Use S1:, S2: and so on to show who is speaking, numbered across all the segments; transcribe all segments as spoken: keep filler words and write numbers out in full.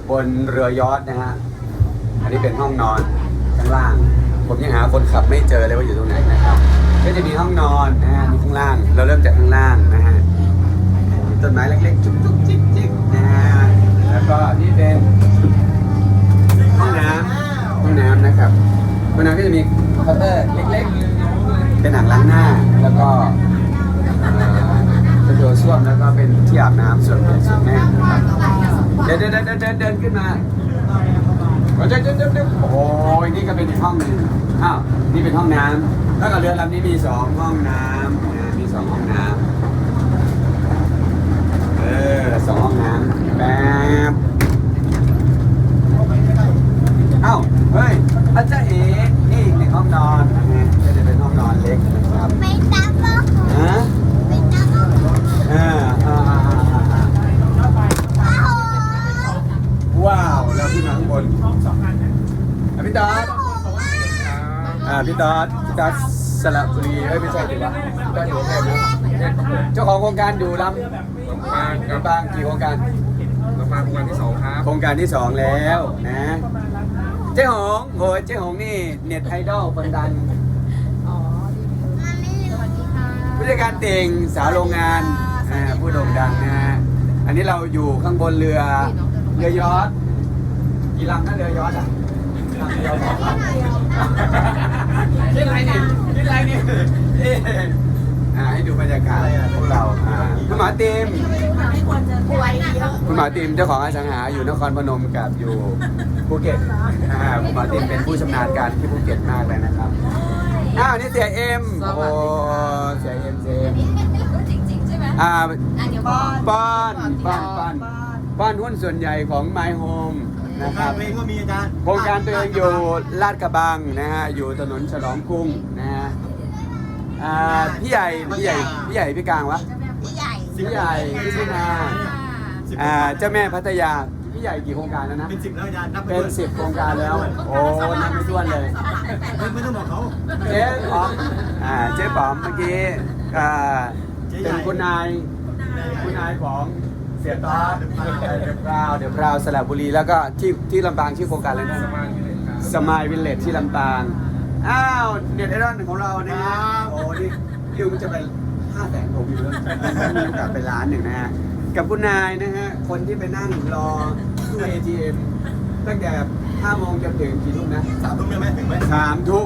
S1: บนเรือยอชต์นะฮะอันนี้เป็นห้องนอนข้างล่างผมยังหาคนขับไม่เจอเลยว่าอยู่ตรงไหนนะครับก็จะมีห้องนอนนะฮะมีข้างล่างเราเริ่มจากข้างล่างนะฮะมีต้นไม้เล็กๆจุ๊บๆจิ๊กๆนะฮะแล้วก็นี่เป็นห้องน้ำห้องน้ำนะครับห้องน้ำก็จะมีเคาน์เตอร์เล็กๆเป็นอ่างล้างหน้าแล้วก็เป็นตัวส้วมแล้วก็เป็นที่อาบน้ำส่วนเป็นส่วนแม่นะครับเดินเดินเดินเดินเดินขึ้นมาเดินเดินเดินเดินโอ้ยนี่ก็เป็นอีกห้องหนึ่งอ้าวนี่เป็นห้องน้ำแล้วก็เรือลำนี้มีสองห้องน้ำมีสองห้องน้ำเออสองห้องน้ำแป๊บเอ้าเฮ้ยอาจารย์เอ๋นี่อีกหนึ่งห้องนอนนะฮะก็จะเป็นห้องนอนเล็กนะครับไม่ตับก็ฮะไม่ตับก็อ่าอ่าว้าวเราขึ้นมาข้างบนพี่ต๊อดอ่าพี่ต๊อดพี่ต๊อดสระบุรีเอ้ยไม่ใช่ถูกปะพี่ต๊อดอยู่กรุงเทพนะเจ้าของโครงการอยู่ลำบางลำบางกี่โครงการลำบางโครงการที่สองครับโครงการที่สองแล้วนะเจ๊หงโอ้ยเจ๊หงนี่เน็ตไอดอลคนดังผู้จัดการเต่งสาวโรงงานผู้โด่งดังนะฮะอันนี้เราอยู่ข้างบนเรือเรือยอชต์กี่ลำนั่นเรือยอชต์อ่ะคิดอะไรนี่คิดอะไรนี่ให้ดูบรรยากาศพวกเราคุณหมอติมคุณหมอติมเจ้าของอสังหาอยู่นครพนมกับอยู่ภูเก็ตคุณหมอติมเป็นผู้ชำนาญการที่ภูเก็ตมากเลยนะครับอ้าวนี่เสียเอ็มโอ้เสียเอ็มเสียเอ็มจริงๆใช่ไหมอ่าป้อนป้อนป้อนป้อนหุ้นส่วนใหญ่ของ My Home นะครับเองก็มีอาจารย์โครงการตัวเองอยู่ลาดกระบังนะฮะอยู่ถนนฉลองกรุงนะฮะอ่าพี่ใหญ่พี่ใหญ่พี่ใหญ่พี่กลางวะพี่ใหญ่พี่ใหญ่พี่ชินาอ่าเจ้าแม่พัทยาพี่ใหญ่กี่โครงการแล้วนะเป็นสิบแล้วอาจารย์นับเป็นสิบโครงการแล้วโอ้นับไม่ถ้วนเลยไม่ต้องบอกเขาเจ๊ป๋อมอ่าเจ๊ป๋อมเมื่อกี้อ่าเป็นคุณนายคุณนายของเสียต้าเดี๋ยวพราวเดี๋ยวพราวสระบุรีแล้วก็ที่ที่ลำปางชื่อโครงการอะไรนะสมายวิลเลจที่ลำปางอ้าวเน็ตไอดอลของเราเนี่ยนะโอ้นี่คิวมันจะไปห้าแสนผมอยู่แล้วมีโอกาสไปล้านหนึ่งนะฮะกับคุณนายนะฮะคนที่ไปนั่งรอตู้ เอ ที เอ็ม ตั้งแต่ห้าโมงจนถึงกี่ทุ่มนะสามทุ่มยังไม่ถึงไหมสามทุ่ม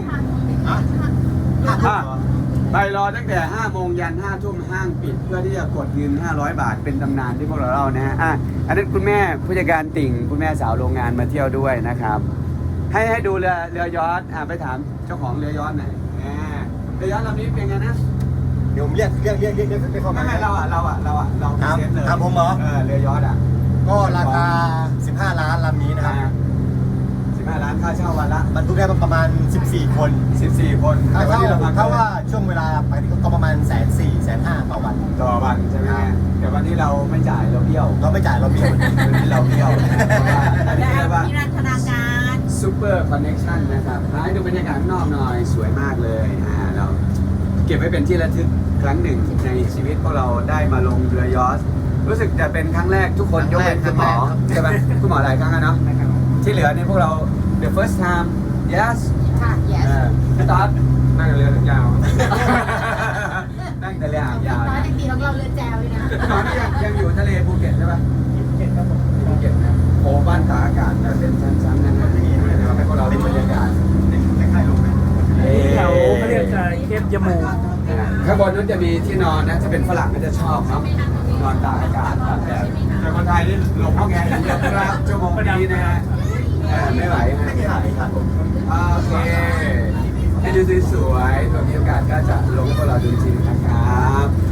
S1: ไปรอตั้งแต่ห้าโมงยันห้าทุ่มห้างปิดเพื่อที่จะกดเงินห้าร้อยบาทเป็นตำนานที่พวกเราเล่านะฮะอ่ะอันนั้นคุณแม่ผู้จัดการติ่งคุณแม่สาวโรงงานมาเที่ยวด้วยนะครับให้ให้ดูเรือเรือยอชต์อ่ะไปถามเจ้าของเรือยอชต์หน่อยเรือยอชต์ลำนี้เป็นไงนะเดี๋ยวผมเรียกเรียกเรียกเรียกเรียกไปเข้ามาไม่ไม่เราอ่ะเราอ่ะเราอ่ะเราเซ็ตเลยครับผมเหรอเออเรือยอชต์อ่ะก็ราคาสิบห้าล้านลำนี้นะครับสิบห้าล้านค่าเช่าวันละบรรทุกได้ประมาณสิบสี่คนสิบสี่คนถ้าว่าถ้าว่าช่วงเวลาไปก็ประมาณแสนสี่แสนห้าต่อวันต่อวันใช่ไหมแต่วันนี้เราไม่จ่ายเราเบี้ยวเราไม่จ่ายเราเบี้ยววันนี้เราเบี้ยวอันนี้เรียกว่าซูเปอร์คอนเนคชั่นนะครับให้ดูบรรยากาศข้างนอกหน่อยสวยมากเลยอ่าเราเก็บไว้เป็นที่ระลึกครั้งหนึ่งในชีวิตพวกเราได้มาลงเรือยอชต์รู้สึกจะเป็นครั้งแรกทุกคนยกเว้นคุณหมอใช่ไหมคุณหมอหลายครั้งแล้วเนาะที่เหลือเนี่ยพวกเรา the first time yes
S2: ค่ะ yes
S1: พี่ต๊อดนั่งเรือยาวนั่งแต่เรือยาว
S2: ตอนยังดีเราเรือแจวเลยนะ
S1: ตอนนี้ยังยังอยู่ทะเลภูเก็ตใช่ปะภูเก็ตครับผมภูเก็ตนะโอ้บ้านตากอากาศเป็นชั้นๆนะครับที่นี่ด้วยนะครับให้พวกเราดูบรรยากาศในค่ายลงไป
S3: แถวเขาเรียกเคปยมู
S1: ข้างบนนั้นจะมีที่นอนนะถ้าเป็นฝรั่งก็จะชอบเนาะนอนตากอากาศแบบแต่คนไทยนี่หลงห้องแอร์อย่างเดียวนะครับชั่วโมงนี้นะฮะไม่ไหวฮะโอเคให้ดูสวยๆตัวมีโอกาสก็จะลงให้พวกเราดูจริงๆนะครับ